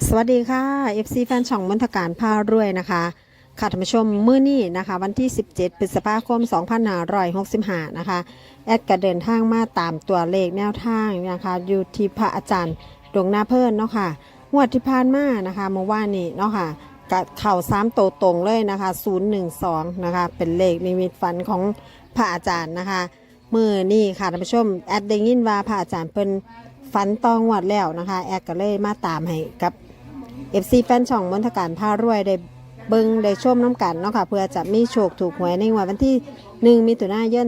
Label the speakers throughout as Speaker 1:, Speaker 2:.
Speaker 1: สวัสดีค่ะ FC แฟนช่องมนทการพารวยนะคะค่ะท่านผู้ชมมื้อนี้นะคะวันที่ 17 พฤษภาคม 2565 นะคะแอดก็เดินทางมาตามตัวเลขแนวทางนะคะอยู่ที่พระอาจารย์ดวงหน้าเพิ่นเนาะค่ะงวดที่ผ่านมานะคะเมื่อวานนี้เนาะค่ะกับเข่า3โตวตรงเลยนะคะ012นะคะเป็นเลขนิมิตฝันของพระอาจารย์นะคะมื้อนี้ค่ะท่านผู้ชมแอดได้ยินว่าพระอาจารย์เพิ่นฝันตองวดแล้วนะคะแอดก็เลยมาตามให้กับ FC แฟนช่องมนทการพารวยได้เบิ่งได้ชมน้ำกันเนาะค่ะเพื่อจะมีโชคถูกหวยในวันที่1มิถุนายน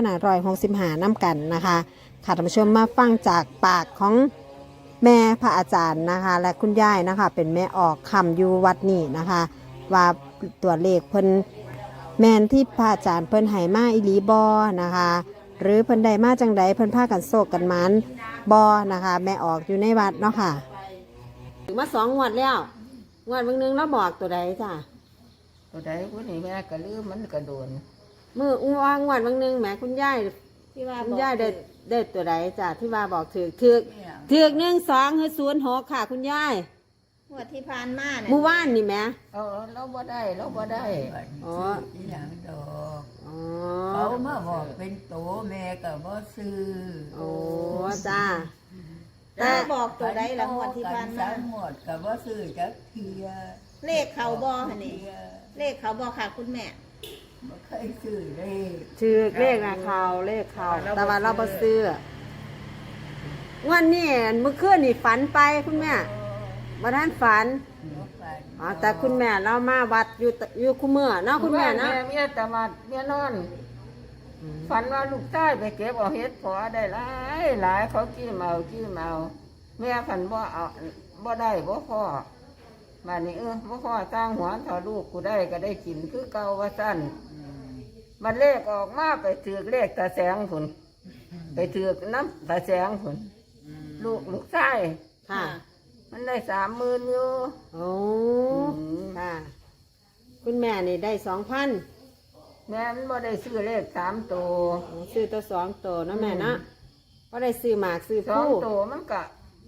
Speaker 1: 2565น้ำกันนะคะค่ะท่านผู้ชมมาฟังจากปากของแม่พระอาจารย์นะคะและคุณยายนะคะเป็นแม่ออกคำอยู่วัดนี้นะคะว่าตัวเลขเพิ่นแมนที่พระอาจารย์เพิ่นให้มาอีหลีบอนะคะหรือเพิ่นได้มาจังใดเพิ่นพากันโศกกันมันบอนะคะแม่ออกอยู่ในวัดเนาะค่ะถึงมา2 งวดแล้วงวดเบิ่งนึงเราบอกตัวใดจ้ะ
Speaker 2: ตัวใดผู้นี้แม่ก็ลืมมันก็โดน
Speaker 1: มืออุ้งวางวันบางนึงแหมคุณยาย
Speaker 3: ที่ว่า
Speaker 1: คุณ
Speaker 3: บอก
Speaker 1: ยายได้ตัวใดจ้ะที่ว่าบอกถือก1 2คือ06ค่ะคุณยาย
Speaker 3: งวดที่ผ่านมาเนี่ย
Speaker 1: เมื่อวานนี่แหม
Speaker 2: เราบ่ได้เราบ่ได้
Speaker 1: อ๋อ
Speaker 4: อีหยังดอก
Speaker 1: อ๋อ
Speaker 4: เขามาบอกเป็นโตแม่ก็บ่ซื้อ
Speaker 1: โอ้จ้า
Speaker 3: แต่บอกตัวใดละงวดที่ผ่านมา
Speaker 4: สามหมดก็บ่ซื้อจักเทีย
Speaker 3: เลขเขาบอหั่นนี่เลขเขาบอค่ะคุณแม่
Speaker 4: บ่เคยซื้อเลย
Speaker 1: ถือเลขนะเลขเขาแต่ว่าเราบ่ซื้อวันนี้เมื่อคืนนี่ฝันไปคุณแม่บ่ทันฝัน
Speaker 4: บ่ฝัน
Speaker 1: อ๋อแต่คุณแม่เรามาวัดอยู่คุเมื่อเนาะคุณแม่เนาะ
Speaker 2: เมียแต่มาเมียนอน ฝันว่าลูกชายไปเก็บเอาเฮ็ดพอได้หลายเขากี้เมาแม่ฝันบ่เอาบ่ได้บ่พอบ้านนี้บ่พอตั้งหัวถ้าลูกกูได้ก็ได้กินคือเก่าว่าซั่นมันเลขออกมาไปถือเลขตาแสงพุ่นไปถือน้ำตาแสงพุ่นลูกชาย
Speaker 1: ค่ะ
Speaker 2: มันได้30,000อยู่
Speaker 1: โอ้ค่ะ คุณแม่นี่ได้2,000
Speaker 2: แม่มันบ่ได้ซื้อเลข3ตัว
Speaker 1: ซื้อตัว2ตัวเนาะแม่เนาะก็ได้ซื้อหมากซื้อ
Speaker 2: สอง
Speaker 1: ผู้
Speaker 2: ตัวมันก็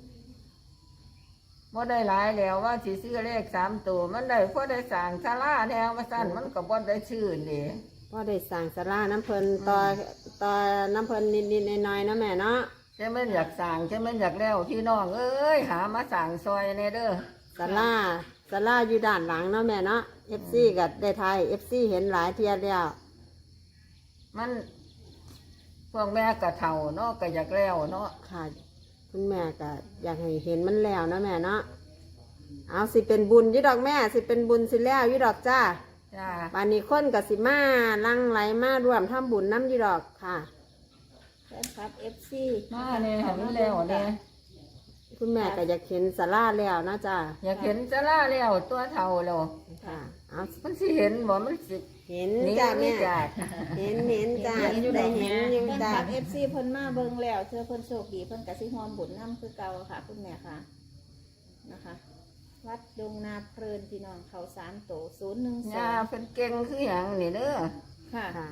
Speaker 2: บ่ได้หลายแล้วว่าสิซื้อเลข3ตัวมันได้พอได้สั่งศาลาแนวมาสั่นมันก็บ่ได้ชื่อนี่
Speaker 1: ก็ได้สั่งสลาน้ำเพลินต่อน้ำเพลินนิดๆหน่อยๆเนาะแม่เนาะ
Speaker 2: จะมันอยากสั่งจะมันอยากแล้วพี่น้องเอ้ยหามาสั่งซอยในเด้อ
Speaker 1: สลาอยู่ด้านหลังเนาะแม่เนาะ FC กับได้ไทย FC เห็นหลายเทียแล้ว
Speaker 2: มันพวกแม่ก็เฒ่าเนาะก็อยากแล้วเนาะ
Speaker 1: ค่ะ คุณแม่ก็อยากให้เห็นมันแล้วเนาะแม่เนาะเอาสิเป็นบุญอยี่ดอกแม่สิเป็นบุญสิแล้วอยี่ดอกจ้า
Speaker 2: จ้า
Speaker 1: บานนี้คนกับสิมาลังไหลมาร่วมทำบุญน้ำอยี่ดอกค่ะ
Speaker 3: แฟนคลับ FC
Speaker 2: มาเนี่ยเห็นแล้วเนี่ย
Speaker 1: คุณแม่ก็อยากเห็นสลาแล้วนะจ้า
Speaker 2: อยากเห็นศาลาแล้วตัวเฒ่าแล้ว
Speaker 1: ค่ะเอา
Speaker 2: มันสิเห็นบ่มันสิ
Speaker 1: เห็น
Speaker 2: หนี่
Speaker 1: จ้าแม่
Speaker 2: จาก
Speaker 1: เห็นจ้าได้เห็นอยู่
Speaker 3: แฟน
Speaker 1: จ้า
Speaker 3: คลับ FC เพิ่นมาเบิ่งแล้วเชื่อเพิ่นโชคดีเพิ่นกะสิฮอมบุญน้ำคือเก่าค่ะ คุณแม่ค่ะนะคะ วัดดงนาเพลินพี่น้องเขา3โต
Speaker 2: ย่า
Speaker 3: 012
Speaker 2: เป็นเก่งคือหยังนี่เด้อ
Speaker 3: ค่ะ
Speaker 1: ค่ะ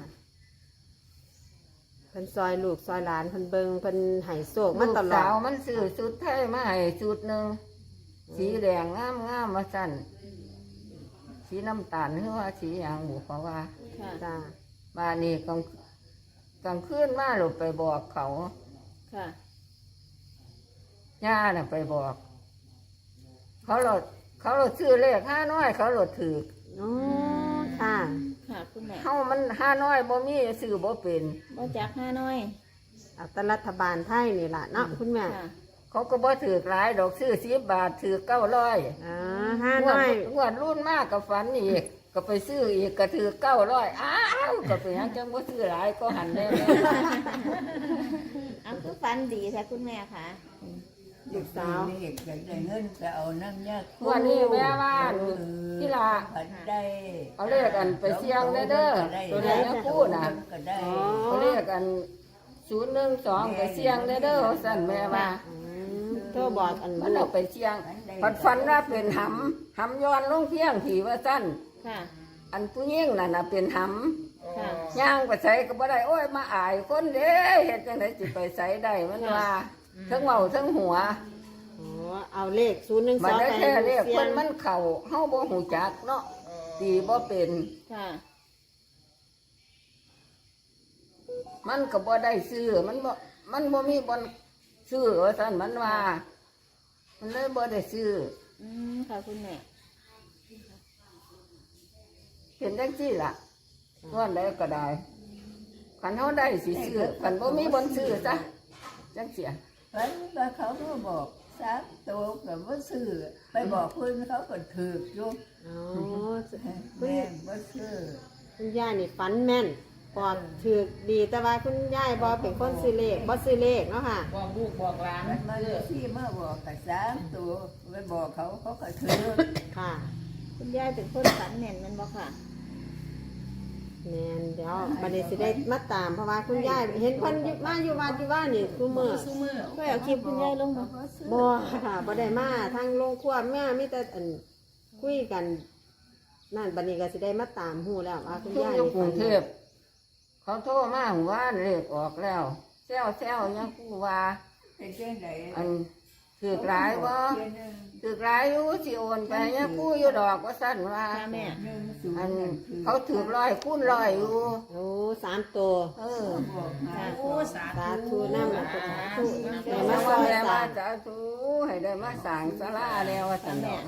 Speaker 1: เพิ่นซอยลูกซอยหลานเพิ่นเบิงเพิ่นไห้โศกมา
Speaker 2: ลูก
Speaker 1: ตลอ
Speaker 2: สาว
Speaker 1: ด
Speaker 2: มันซื้อชุดไทยมาให้ชุดหนึ่งสีแดงงามมาสั่นสีน้ำตาลหรือว่าสีอย่างบุเพราะว่า
Speaker 3: ค่ะ
Speaker 1: จ้า
Speaker 2: บ้านนี้กลางคืนมาหลบไปบอกเขา
Speaker 3: ค่ะ
Speaker 2: ย่าน่ะไปบอก เขาหลดซื้อเลข500เขาหลดถือ
Speaker 1: โอ้ค่ะ
Speaker 3: ค่ะคุณแม่
Speaker 2: เฮามัน500บ่มีซื้อบ่เป็น
Speaker 3: บ่จัก5น้อย
Speaker 1: เอาแต่รัฐบาลไทยนี่ล่ะเนาะคุณแม่
Speaker 3: ค่ะ
Speaker 2: เขาก็บ่ถือหลายดอกซื้อ10 บาทถือ900
Speaker 1: อ่า500
Speaker 2: งวดรุ่นมากกับฝันอีกก็ไปซื้ออีกก็ถือ900อ้าวก็ไปหยังจังบ่ซื้อหลายก็หันแน่
Speaker 3: เอาคือฟันดีแท้คุณแม่ค่ะ
Speaker 1: ลูกสาว
Speaker 4: เลขอยากได้เงินก็เอาน้ำยาคู
Speaker 2: วันนี้แม่ว่าที่ละ
Speaker 4: ผัดได้
Speaker 2: เอาเลขกันไปเสี่ยงเด้อตัวไหนนะพูดนะ
Speaker 4: ก็ได้
Speaker 2: เอาเลขกัน012ไปเสี่ยงเด้อสั่นแม่ว่า
Speaker 1: โทรบอกอัน
Speaker 2: มัน
Speaker 1: ลู
Speaker 2: เอา
Speaker 1: ก
Speaker 2: ไปเสี่ยงฝันว่าเป็นหำย้อนลงเพียงผีว่าสั้น
Speaker 3: ค่ะ
Speaker 2: อันผู้หญิงน่ะเป็นห
Speaker 3: ค่ะ
Speaker 2: ำย่างไปใส่ก็บ่ได้โอ้ยมาอายคนเด้เฮ็ดจังได๋สิไปใส่ได้มันว่าทั้งเว้าทั้งหัว
Speaker 1: โอ้เอเอาเลข012
Speaker 2: มันได้
Speaker 1: ไป
Speaker 2: แค่เลข
Speaker 1: เสีย
Speaker 2: เพิ่
Speaker 1: ง
Speaker 2: นมันเข้าเฮาบ่ฮู้จักเนาะตีบ่เป็น
Speaker 3: ค่ะ
Speaker 2: มันก็บ่ได้ซื้อมันบ่มีบ่อนซื้อว่าซั่นมันว่า มันเลยบ่ได้ซื้อ
Speaker 3: ค่ะคุณแม่
Speaker 2: เป็นจังซี่ล่ะว่าแล้วก็ได้คันเฮาได้สิซื้อคันบ่มีบ่อนซื้อซะจังเสีย
Speaker 4: ฝันว่าเขาก็บอก3ตัวก็บ่ซื้อไปบอกเพิ่นเขาก็ถูกอยู่
Speaker 1: อ๋อ
Speaker 4: แม่บ่ซื้อ
Speaker 1: คุณยายนี่ฝันแม่นปอดถือดีแต่ว่าคุณยายบ่เป็นคนซื้อเลขบ่ซื้อเลขเนาะค่ะ
Speaker 5: บอกลูกบอกหลาน
Speaker 4: มันที่มาบอกกับ3ตัวไปบอกเขาเขาก็ถูก
Speaker 1: ค่ะ
Speaker 3: คุณยายเป็นคนฝันแม่นแมันบ่ค่ะ
Speaker 1: แม่นเดี๋ยวบัดนี้สิได้มาตามเพราะว่าคุณยายเห็นเพิ่นมาอยู่วัดอยู่ว่านี่ซุมื้อ
Speaker 5: สู้มือ
Speaker 3: ก็เอาคลิปคุณยายลงมา
Speaker 1: บ่ค่ะบ่ได้มาทางโรงครัวแม่มีแต่อันคุยกันนั่นบัดนี้ก็สิได้มาตามฮู้แล้วว่าคุณ
Speaker 2: ทุก
Speaker 1: ยาย
Speaker 2: อยู่กรุ
Speaker 1: ฝั
Speaker 2: ง
Speaker 1: น
Speaker 2: เทพเขาโทรมาว่าเลขออกแล้วแซวยังกูว่า
Speaker 4: เป็นจังได๋
Speaker 2: อันถือหลายบ่ถือหลายอยู่สิโอนไปยังกูอยู่ดอกว่าซั่นว่า
Speaker 3: ค่ะแม่
Speaker 2: อันเขาถือ100คูณ100อยู่
Speaker 1: โอ้3ตัว
Speaker 2: เออ
Speaker 4: บอกหา
Speaker 5: โอ้สา
Speaker 1: สา
Speaker 5: ธุ
Speaker 1: ธุนำสาธุได้
Speaker 2: แม่
Speaker 1: มาซ
Speaker 2: ว่า
Speaker 1: อย
Speaker 2: แม่
Speaker 1: สา
Speaker 2: มาม สาธุให้ได้มาสร้างศาลาแล้วว่าซั่นดอก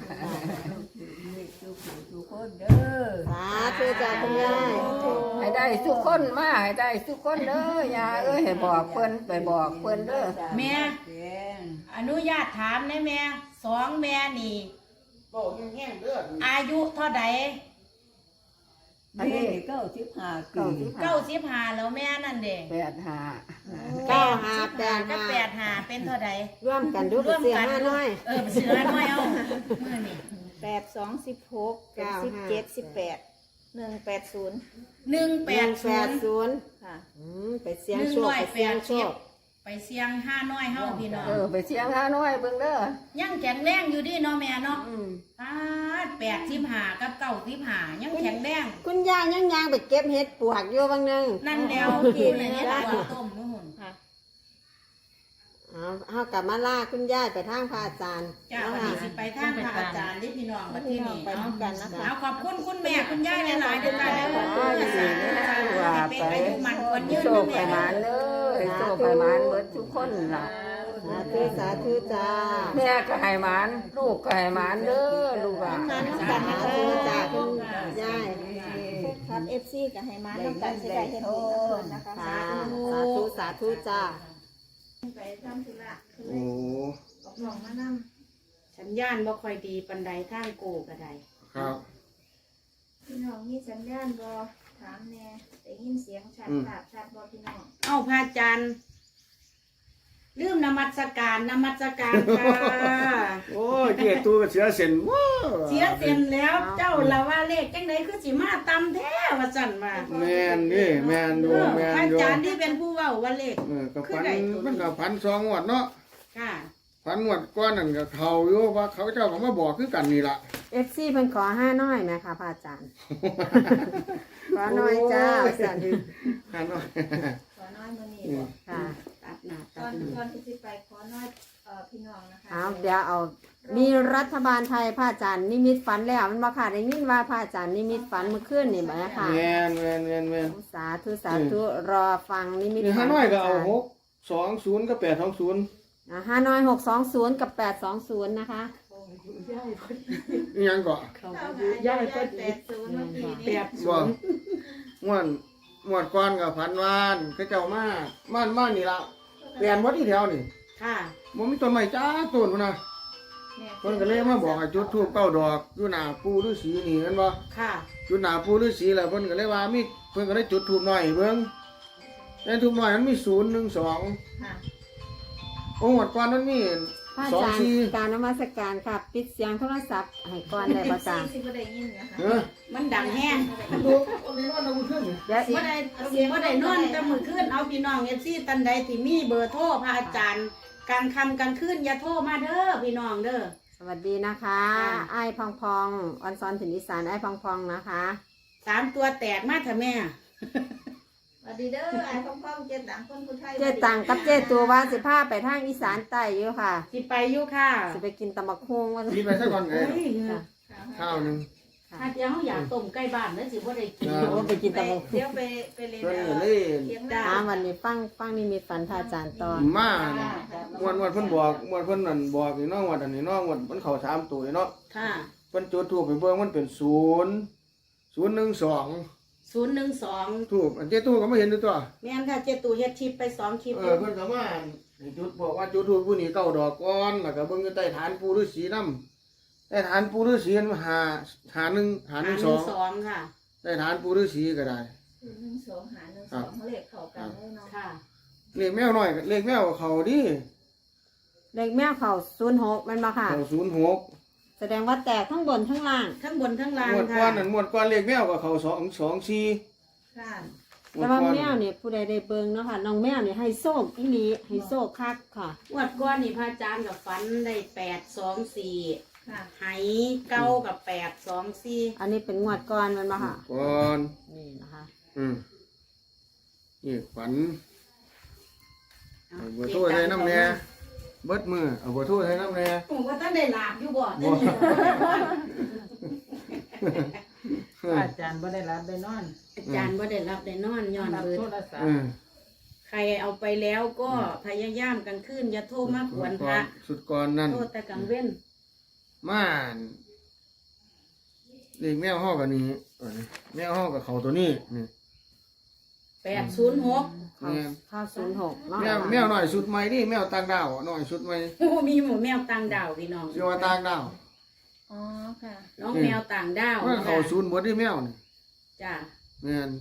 Speaker 4: ทุกคนเด้อ
Speaker 1: สาธุจ้าคุณยาย
Speaker 2: ให้ได้ทุกคนมาให้ได้ทุกคนเด้อย่าเอ้ยให้บอกเพิ่นไปบอกเพิ่นเด้อ
Speaker 5: แม่อนุญาตถามได้แม่2แม่นี่อายุเท่าใด
Speaker 2: อันนี้
Speaker 4: เก้าสิบห้าปี
Speaker 5: 95แล้วแม่นั่นเด้
Speaker 2: 85
Speaker 5: กับ
Speaker 1: 9585
Speaker 5: 85เป็นเท่าใด
Speaker 1: ร่วมกันดูเสียห้าน้อย
Speaker 5: ไปซื้อน้อยเอามื้อนี้
Speaker 3: 82 16 17 18 180
Speaker 5: 180
Speaker 3: ค่ะ
Speaker 1: ไปเสียงโชคไปเสียงโชค
Speaker 5: ไปเสียง5น้อยเฮาพี่น้อง
Speaker 2: ไปเสียงหาน้อยเบิ่งเด้อ
Speaker 5: ยังแข็งแรงอยู่ดิเนาะแม่เนาะ
Speaker 2: อืม
Speaker 5: 85กับ95ยังแข็งแรง
Speaker 1: คุณยายยังไปเก็บเห็ดปวกอยู่บางนึง
Speaker 5: นั่นแล้วกินเนี่ยตัวต้มนู่น
Speaker 3: ค่ะ
Speaker 1: เอากลับมาล่าคุณยายไปทางพระอาจารย์
Speaker 5: จ้าวันนี้สิไปทางพระอาจารย์ที่พี่น้องมาที่นี่
Speaker 3: ไปน้ำกันนะคะ
Speaker 5: เอาขอบคุณคุณแม่คุณย่าหลายๆด้วยกันแล้ว
Speaker 2: ว่า
Speaker 5: เป็น
Speaker 2: ไป
Speaker 5: อายุมันควรยืน
Speaker 2: โชคไปหมานเด้อโชคไปหมานเบิดทุกคนล่ะ
Speaker 1: สาธุสาธุจ้า
Speaker 2: แม่ก็ให้หมานลูกก็ให้หมานเด้อลูกอ่ะ
Speaker 1: สาธุจ้าคุณยาย
Speaker 3: ครับ FC กับไฮมาต้องการสิได้เห็นบุญกับเพิ่นนะคะ
Speaker 1: สาธุสาธุจ้า
Speaker 3: ไปทำธุระคือ
Speaker 6: โอ้
Speaker 3: ออกหนองมานำ
Speaker 5: สัญญาณบ่ค่อยดีปันใดทางโกก็ได้
Speaker 6: ครับ
Speaker 3: พี่น้องมีสัญญาณบ่ถามแน่ได้ยินเสียงชัดภาพชัดบ่พี่น้อง
Speaker 5: เอาพระอาจารย์ลืมนมัสการค่ะ
Speaker 6: โอ้ยเกียรตูก็เสียเส้นว้า
Speaker 5: เสียเสียนแล้วเจ้าละว่าเลขจังไดคือสิมาตำแท้ว่าสั่นว่า
Speaker 6: แมนนี่แมนอยู่แม
Speaker 5: พระ
Speaker 6: น
Speaker 5: อา
Speaker 6: อยู่
Speaker 5: จารย์ที่เป็นผู้เว้าว่าเลข
Speaker 6: ก็พันมันก็พันสองงวดเนาะ
Speaker 5: ค่ะ
Speaker 6: พันงวดก้อนนั่นก็เขาอยู่ว่าเขาเจ้าก็มาบอกคือกันนี่ล่ะ
Speaker 1: FC เพิ่นขอ5น้อยไหมคะพระอาจารย์ ขอน้อยจ้าสัน
Speaker 6: ฮันเนาะ
Speaker 3: ขอน้อยมื้อนี้บ่
Speaker 1: ค่ะตัดหน้า
Speaker 3: ก่
Speaker 1: ตั
Speaker 3: อ
Speaker 1: ด
Speaker 3: น
Speaker 1: หน้า
Speaker 3: ก่อนที่สิไปขอน้อยพี่น้องนะคะ
Speaker 1: เอาเดี๋ยวเอามีรัฐบาลไทยพระอาจารย์นิมิตฝันแล้วมันบ่ค่ะได้ยินว่าพระอาจารย์นิมิตฝันเมื่อคืนนี่บ่ค่ะ
Speaker 6: แมนแมนแมนแมน
Speaker 1: สาธุสาธุรอฟังนิมิต
Speaker 6: นี่
Speaker 1: ฝั
Speaker 6: ฮานน้อยก็เอา620กับ820
Speaker 1: ห้าน้อย620กับ820นะคะ
Speaker 6: อีหยังก็
Speaker 3: ย่ายก็80เมื่อกี้นี้
Speaker 6: บ่งวดก้อนก็พันวานเขาเจ้ามาบ้านนี่ล่ะเปลี่ยนบ่ที่แถวนี่
Speaker 5: ค่ะ
Speaker 6: บ่มีต้นไม้จ้าต้นพุ่นน่ะ เพิ่นก็เลยมาบอกให้จุดธูป9ดอกอยู่หน้าปู่ฤาษีนี่เห็นบ่
Speaker 5: ค่ะ
Speaker 6: จุดหน้าปู่ฤาษีแล้วเพิ่นก็เลยว่ามีเพิ่นก็เลยจุดธูปน้อยให้เบิ่งแต่ธูปน้อยมันมี012
Speaker 3: ค่ะ
Speaker 6: โอ้งวดก่อนมันมี
Speaker 1: พระอาจารย์
Speaker 6: 24
Speaker 1: การนมัสการค่ะปิดเสียงโทรศัพท์ให้ก่อนได้บ่จ้า
Speaker 3: สิบ่ได้ยินนะคะ
Speaker 6: เออ
Speaker 5: มันดังแห้ง
Speaker 6: ดูเอาในบ้านเราขึ้น
Speaker 1: เดี๋ยว
Speaker 5: บ่ได้นอนแต่มื้อคืนเอาพี่น้องFCตันใดที่มีเบอร์โทรพระอาจารย์กลางค่ำกลางคืนอย่าโทรมาเด้อพี่น้องเด้อ
Speaker 1: สวัสดีนะคะไอ้ายพองพองออนซอนถิ่นอีสานไอ้ายพองพองนะคะ
Speaker 5: 3ตัวแตกมาเถอะแม่
Speaker 3: ววัสดีเด้อไอ้พ่อๆเจ็ดต่างคนผู้ไทย
Speaker 1: เจ๊ตังกับเจ๊ตัวว่าสิพาไปทางอีสานใต้อยู่ค่ะ
Speaker 5: สิไปอยู่ค่ะ
Speaker 1: สิไปกินตำบักฮุงว่า
Speaker 6: กินไปสักก่อนไง
Speaker 5: เฮ้ย
Speaker 6: ข้าวหนึง
Speaker 5: ถ้าเจ้าอยากต้มไก่บ้านแล้วสิบ่ได้กิน
Speaker 1: ว่าไปกินตำบักฮุง
Speaker 3: เดี๋ยวไปเรียน
Speaker 6: เพิ่นก็เลย
Speaker 3: เทียงห
Speaker 1: อ่า
Speaker 3: น้า
Speaker 1: วันนี้ฟังนี่มีฝันพระอาจารย์ตอน
Speaker 6: มาวันเพิ่นบอกวันเพิ่นนั่นบอกนี่เนาะวันอันนี้เนาะวันมันเข้า3ตัวเนาะ
Speaker 5: ค่ะ
Speaker 6: เพิ่นจุดธูปไปเบิ่งมันเป็น0 0 1 2
Speaker 5: 012
Speaker 6: ทูบอันเจ้ตู้ก็ไม่เห็นด้วยตัว
Speaker 5: แม่นค่ะเจตูเฮ็ดคลิปไป2คลิป
Speaker 6: เพิ่นก็มาให้จุดบอกว่าจุดทูบผู้นี้9ดอกก่อนแล้วก็เบิ่งอยู่ใต้ฐานปู่ฤาษีนำใต้ฐานปู่ฤาษีมัน512
Speaker 5: ค่ะ
Speaker 6: ใต้ฐานปู่ฤาษีก็ได้
Speaker 3: 1 2 หา1 2เลขเข้ากันเลยเนาะ
Speaker 5: ค่ะ
Speaker 6: เลขแมวน้อยเลขแมวเขาดิ
Speaker 1: เลขแมวเขา06มันบ่ค่ะ
Speaker 6: เขา06
Speaker 1: แสดงว่าแตกทั้งบนทั้งล่าง
Speaker 5: ทั้งบนทั้งล่าง
Speaker 6: งวดก่อ
Speaker 5: ค่ะ
Speaker 6: นนั่นงวดก่อนเลขแมวก็เขา224
Speaker 3: ค่ะ
Speaker 1: แต่ว่าแมวนี่ผู้ใดได้เบิ่งเนาะค่ะน้องแมวนี่ให้โชคอีหลีให้โชคคักค่ะ
Speaker 5: งวดก่อนนี่พระอาจารย์กับฝันได้824
Speaker 3: ค่ะ
Speaker 5: ไหเก้ากับ824
Speaker 1: อันนี้เป็นงวดก่อนมันบ่ค่ะ
Speaker 6: ก่อน
Speaker 1: นี่นะคะ
Speaker 6: นี่ฝันเอาเบอร์โทรใส่น้ำแน่เบิดมือเอาเบอร์โทรใส่น้ำแน่
Speaker 5: ผมว่าท่านได้ลาบอยู่บ่
Speaker 2: อาจารย์บ่ได้รับได้นอน
Speaker 5: อาจารย์บ่ได้รับได้นอนย้อน
Speaker 2: รับ
Speaker 5: เบิด
Speaker 2: โทรศัพ
Speaker 6: เอ
Speaker 2: ท์
Speaker 6: อ
Speaker 5: ใครเอาไปแล้วก็พยายามกลางคืนอย่าโทรมาขวนพระ
Speaker 6: สุดก่อนนั่น
Speaker 5: โทษแต่กลางเว้น
Speaker 6: ม่านเด็กแมวห้อกับนี้แมวห้อกับเขาตัวนี้นี่
Speaker 5: 806
Speaker 1: เขาเข้า06เนาะ
Speaker 6: แมวหน่อยสุดใหม่ดิแมวต่างดาวหน่อยสุดใหม่
Speaker 5: โอ้มีหมูแมวต่างดาวพี่น้อง
Speaker 6: เรียกว่าต่างดาว
Speaker 3: อ๋อค่ะ
Speaker 5: น้องแมวต่างดาว
Speaker 6: เมื่อเขาศูนย์หมดดิแมวนี่
Speaker 5: จ้า
Speaker 6: แม่น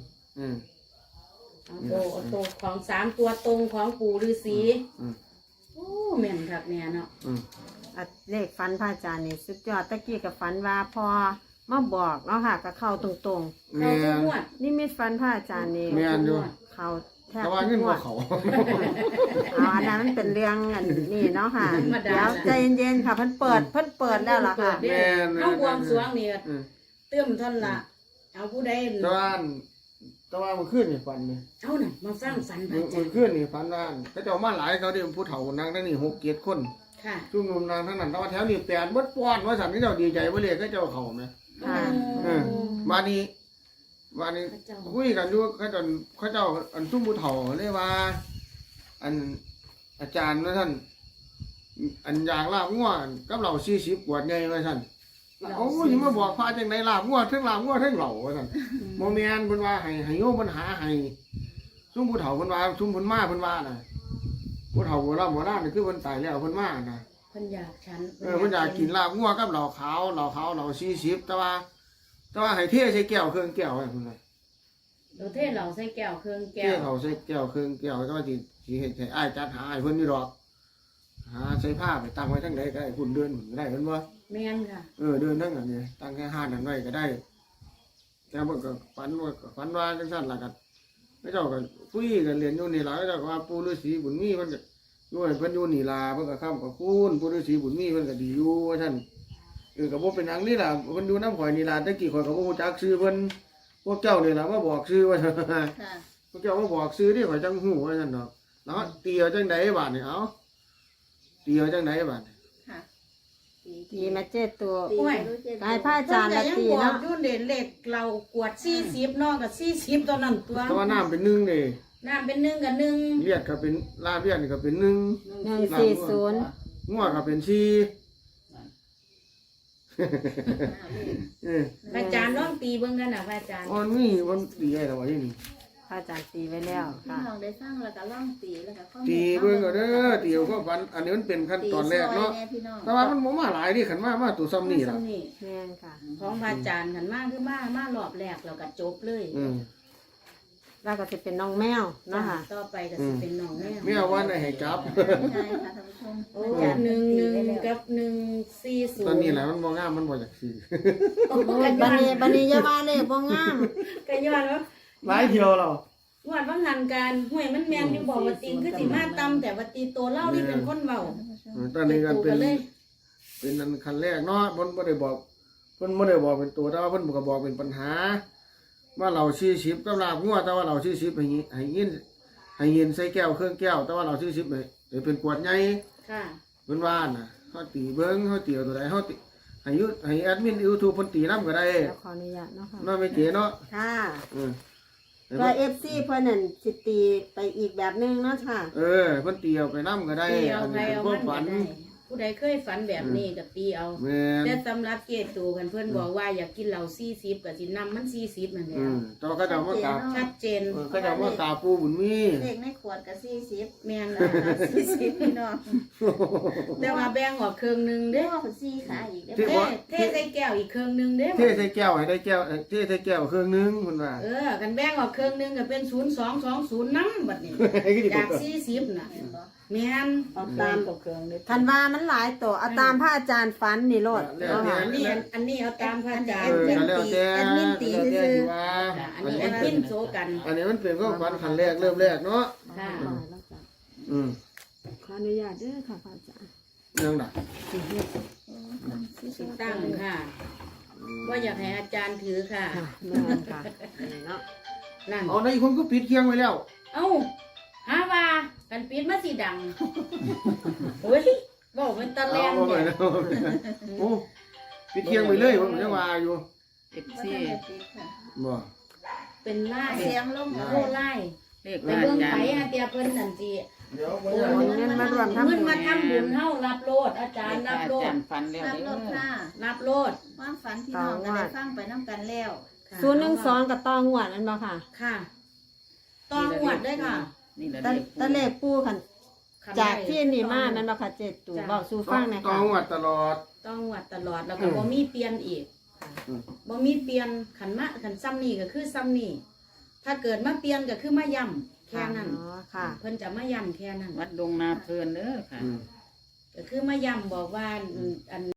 Speaker 5: เอาตัวของ3ตัวตรงของปู่ฤาษี
Speaker 6: อืม
Speaker 5: โอ้แม่นคักแน่เนาะ
Speaker 1: อ่ะเลขฝันพระอาจารย์นี่สุดยอดตะกี้กับฝันว่าพอมาบอกเนาะค่ะก็เข้าตรง
Speaker 6: แม่
Speaker 5: เขาทุก
Speaker 6: น
Speaker 5: งวด
Speaker 1: ๆนี่มีฝันพระอาจารย์นี่
Speaker 6: แม่นอยู่
Speaker 1: เข้าแทบ
Speaker 6: แต่ว่า
Speaker 1: ทุ
Speaker 6: เงิ
Speaker 1: ก
Speaker 6: น
Speaker 1: งว
Speaker 6: บ่
Speaker 1: ด
Speaker 6: เขา
Speaker 1: เอาอันนั้นมันเป็นเรื่องอันนี้เนาะค่ะเดี๋ยวใจเย็นๆค่ะเพิ่นเปิดแล้วล่ะค่ะ
Speaker 5: เด้เอาบวงสรวงนี่
Speaker 6: อืม
Speaker 5: เติมท่านละเอาผู้ใด
Speaker 6: แต่ว่ามันขึ้นนี่ฝันนี่
Speaker 5: เอาน่ะมาฟังฝันพ
Speaker 6: มั
Speaker 5: ระอาจาร
Speaker 6: น
Speaker 5: ย์
Speaker 6: ขึ้นนี่ฝันว่าเขาเจ้ามาหลายเขาดิผู้เฒ่านางทั้งนี้6-7คน
Speaker 5: ค่ะ
Speaker 6: ชุ่มนุมนางทั้งนั้นแต่ว่าแถวนี้แปดบดป้อนว่าสันนี่เจ้าดีใจบ่เลยเขาเจ้าเขาไหม
Speaker 1: ค่ะ
Speaker 6: มานี้คุยกันอยู่เขาเจ้าอันซุ่มผู้เฒ่าเลยว่า อันอาจารย์ว่าท่านอันอย่างลาบงัวกับเรา40ขวดไงว่าท่านโอ้ยมาบอกพระจังไดลาบงัวเทั้งลาบงัวเทั้งเหล่าว่าท่านโมเมนเพิ่นว่าให้โยมเพิ่นหาให้ซุ่มผู้เฒ่าเพิ่นว่าซุ่มเพิ่นมาเพิ่นว่าน่ะผู้เฒ่าโบราณนี่คือเพิ่นตายแล้วเพิ่นมาน่ะ
Speaker 5: เพิ่นอยากฉัน
Speaker 6: เพิ่นอยากกินลาบงัวกับเหล่าขาวเหล่า40แต่ว่าให้เทใส่แก้วเครื่องแก้วไว้พุ่นน่ะ
Speaker 5: เราเทศเราใส่แก้วเครื่อง
Speaker 6: เท
Speaker 5: แก้ว
Speaker 6: เขาใส่แก้วเครื่องแก้วก็ว่าสิเฮ็ดให้อ้ายจัดหาให้เพิ่นนี่ดอกหาใส่ผ้าไปตั้งไว้ทั้งใดก็ได้คุณเดินก็ได้เพิ่นว่า
Speaker 5: แม่นค่ะ
Speaker 6: เดินทั้งนั้นนี่ตั้งแค่ห้านั้นไว้ก็ได้แต่เพิ่นก็ฝันว่าจังซั่นล่ะก็เจ้าก็คุยกันเรียนอยู่นี่ล่ะเจ้าก็ว่าปู่ฤาษีบุญมีเพิ่นก็อยู่ให้เพิ่นอยู่นี่ล่ะเพิ่นก็ค้ำกับคุณปู่ฤาษีบุญมีเพิ่นก็ดีอยู่ว่าซั่นก็บ่เป็นหยังนี่ล่ะเพิ่นอยู่นำข่อยนี่ล่ะแต่กี้ข่อยก็บ่รู้จักชื่อเพิ่นพวกเจ้านี่ล่ะมาบอกชื่อว่า
Speaker 3: ค่ะ
Speaker 6: พวกเจ้ามาบอกชื่อนี่ข่อยจังฮู้ว่าซั่นดอกเนาะตีเอาจังไดบาดนี่เอาตีเอาจังไดบาด
Speaker 3: ค่ะ
Speaker 1: ตีมาเจ็ดตัว
Speaker 3: ตี
Speaker 5: โอ้ย
Speaker 3: รู้เจ็ด
Speaker 1: กายพระอาจารย์ละตี
Speaker 5: เนาะ
Speaker 1: เนาะ
Speaker 5: ยุ่นเด่นเล็กเรากวด40นอกกับ40ตอนนั้นตัว
Speaker 6: แต่ว่าน้ำเป็นหนึ่งนี่
Speaker 5: น้ำเป็น1กับ1
Speaker 6: เลียดก็เป็นลาบเลียดนี่ก็เป็นหนึ่ง
Speaker 1: 140
Speaker 6: งัวก็เป็นสี่
Speaker 5: พระอาจารย์ลองตีเบิ่งกันน่ะพระอาจารย์
Speaker 6: อันนี้มันตีได้แล้ววะที่นี่
Speaker 1: พระอาจารย์ตีไว้แล้ว
Speaker 3: พี่
Speaker 1: ค่ะ
Speaker 3: น้องได้สร้างแล้วก็ล่องตีแล้วก็ข้อมูล
Speaker 6: ตีเบิ่งก็เด้อตีเอาก็ฟันอันนี้มันเป็นขั้นตอนแรกเนาะ
Speaker 3: ตีซอยแพี่น้อง
Speaker 6: แต่ว่ามันบ่มาหลายดิขันมาตัวซ้ำนี่ล่ะ
Speaker 5: นี่
Speaker 1: แม่นค่ะ
Speaker 5: ของพระอาจารย์กันมากคือมารอบแรกเราก็จบเลย
Speaker 1: แล้วก็จะเป็นน้องแมวเนาะค่ะ
Speaker 5: ต่อไปก็สิเป็นน้องแม่
Speaker 6: ไม่เอาว่าให้จับ
Speaker 3: ใช่ค่ะท่านผู้ชม
Speaker 5: โอ้1กับ140
Speaker 6: ตอนนี้แหละมันบ่งามมันบ่อยากซื้อ
Speaker 5: โอ้
Speaker 1: โอ้
Speaker 5: กั
Speaker 1: ย
Speaker 5: น
Speaker 1: บันนี้อย่าว่าเลยบ่งาม
Speaker 5: กันย้อนว่า
Speaker 6: หลายเที่ยวเรา
Speaker 5: งวดว่างานการห่วยมันแม่นอยู่บอกว่าตีนคือสิมาตำแต่ว่าตีโตเล่านี่เป็นคนเว้า
Speaker 6: ตอนนี้ก็เป็น
Speaker 5: เลย
Speaker 6: เป็นอันขั้นแรกเนาะเพิ่นบ่ได้บอกเป็นตัวแต่ว่าเพิ่นก็บอกเป็นปัญหาว่าเรา40กับลาบงัวแต่ว่าเรา40ให้ยินใส่แก้วเครื่องแก้วแต่ว่าเรา40ให้เป็นขวดใหญ่
Speaker 5: ค่ะ
Speaker 6: เพิ่นว่าน่ะเฮาตีเบิ่งเฮาตีเอาตัวใดเฮาตีให้แอดมิน YouTube เพิ่นตีนำก็ได้
Speaker 1: เดี๋ยวขออนุญาตเนาะค่ะ
Speaker 6: เนาะไม่เก๋เนาะ
Speaker 1: ค่ะ
Speaker 6: เออ
Speaker 1: ก็ FC เพิ่นนั่นสิตีไปอีกแบบนึงเนาะค่ะ
Speaker 6: เออเพิ่นตีเอาไปนำก็ได้
Speaker 5: ตีเอา
Speaker 6: อัน
Speaker 5: ไป
Speaker 6: นี้เป็น
Speaker 5: เอา
Speaker 6: ควา
Speaker 5: มั
Speaker 6: ม
Speaker 5: น
Speaker 6: ฝั
Speaker 5: ก็
Speaker 6: น
Speaker 5: ได้ผู้ใดเคยฝันแบบนี้ก็ตีเอา
Speaker 6: แม่น
Speaker 5: แต่สำหรับเกตูกันเพื่อนบอกว่าอยากกินเหล้า40ก็สินำมัน40นั่นแหละ
Speaker 6: แต่ว่าเขาจะมากราบ
Speaker 5: ชัดเจน
Speaker 6: เขาจะมากราบปู่บุญมี
Speaker 3: เลขในขวดกับ40
Speaker 5: แม่น
Speaker 3: 40พี่น้อง
Speaker 5: แต่ว่าแบ่งออกครึ่งหนึง
Speaker 3: เด้
Speaker 5: เด้
Speaker 3: อ4ขาอีกเด้
Speaker 6: ที่
Speaker 3: อ
Speaker 6: ว่า
Speaker 5: เทใส่แก้วอีกครึ่งหนึงเด้
Speaker 6: เทใส่แก้วให้ได้แก้วเทใส่แก้วเครื่องนึงเพิ่นว่า
Speaker 5: กันแบ่งออกครึ่งหนึงก็เป็น0220นำบัดนี้ จาก40น่ะแม่น
Speaker 1: เอาตาม
Speaker 2: เครื่องเลย
Speaker 1: คันว่ามันหลายตัวเอาตามพระอาจารย์ฝันนี่โลด
Speaker 6: แล้วแต่
Speaker 5: อันนี้เอาตามพระอาจาร
Speaker 6: เอ
Speaker 5: ย์
Speaker 6: อแล้วแต่
Speaker 3: แอดมินตี
Speaker 6: แล้วแต่
Speaker 3: ซื่อ
Speaker 6: ที่ว่า
Speaker 5: อันนี้แอดมินโซกัน
Speaker 6: อันนี้มันเป็นความฝันขั้นแรกเริ่มแรกเนาะ
Speaker 5: ค่ะ
Speaker 6: อืม
Speaker 1: ขออนุญาตเด้อค่ะพระอาจารย์
Speaker 6: ยังน่ะ
Speaker 1: สิเฮ็ด
Speaker 5: สิตั้งค่ะ ว่าอยากให้อาจารย์ถือค่ะ
Speaker 1: ค่ะแม่นค่ะนี่เนาะ
Speaker 5: นั่น
Speaker 6: เอาในคนก็ปิดเคียงไว้แล้ว
Speaker 5: เอ้าหาว่ากันปิดมาสิดังโอ้ยบอกมันตะแล
Speaker 6: เอา
Speaker 5: ง
Speaker 6: ไป
Speaker 5: เนี่ย
Speaker 6: แล้วโอ้ปิดเคียงไว้เลยผมยังว่าอยู่
Speaker 3: ๆบ่ทันได้ติดค่ะ
Speaker 6: บ่
Speaker 5: เป็นไล่
Speaker 3: เสียงลง
Speaker 5: โคไล่ไปเบิ่งไผอาเตียเพิ่นนั่นสิ
Speaker 6: เดี๋ยว
Speaker 1: โอนเงินมารวมทำ
Speaker 5: เงิน
Speaker 1: บุญ
Speaker 5: มาทำบุญเฮารับโลดอาจารย์รับโลด
Speaker 2: ฝันแล้ว
Speaker 3: รับ
Speaker 2: เด้
Speaker 3: รถค่ะ
Speaker 5: รับโลด
Speaker 3: ความฝันพี่น้องก็ได้ฟังไปน้ำกันแล้ว
Speaker 1: 012กับต้องวดอันบ่ค่ะ
Speaker 5: ค่ะต้องหวดด้วยค่ะ
Speaker 2: นี่แหละ
Speaker 1: ตะเลขปูคันจากที่นี่มานั่นบ่ค่ะเจ็ดตู่เว้าสู่ฟังหน่อย
Speaker 6: ต้อ
Speaker 1: ค่ะ
Speaker 6: งวัดตลอด
Speaker 5: ต้องหวดตลอดแล้วก็บ่มีเปลี่ยนอีก
Speaker 6: อืม
Speaker 5: บ่มีเปลี่ยนขันซ้ำนี่ก็คือซ้ำนี่ถ้าเกิดมาเปลี่ยนก็คือมาย่ำแค่นั้น
Speaker 1: อ๋อค่ะ
Speaker 5: เพิ่นจะมาย่ำแค่นั้น
Speaker 2: วัดดงนาเพลินเด้อค่ะ
Speaker 6: อืม
Speaker 5: ก็คือมาย่ำบอกว่าอัน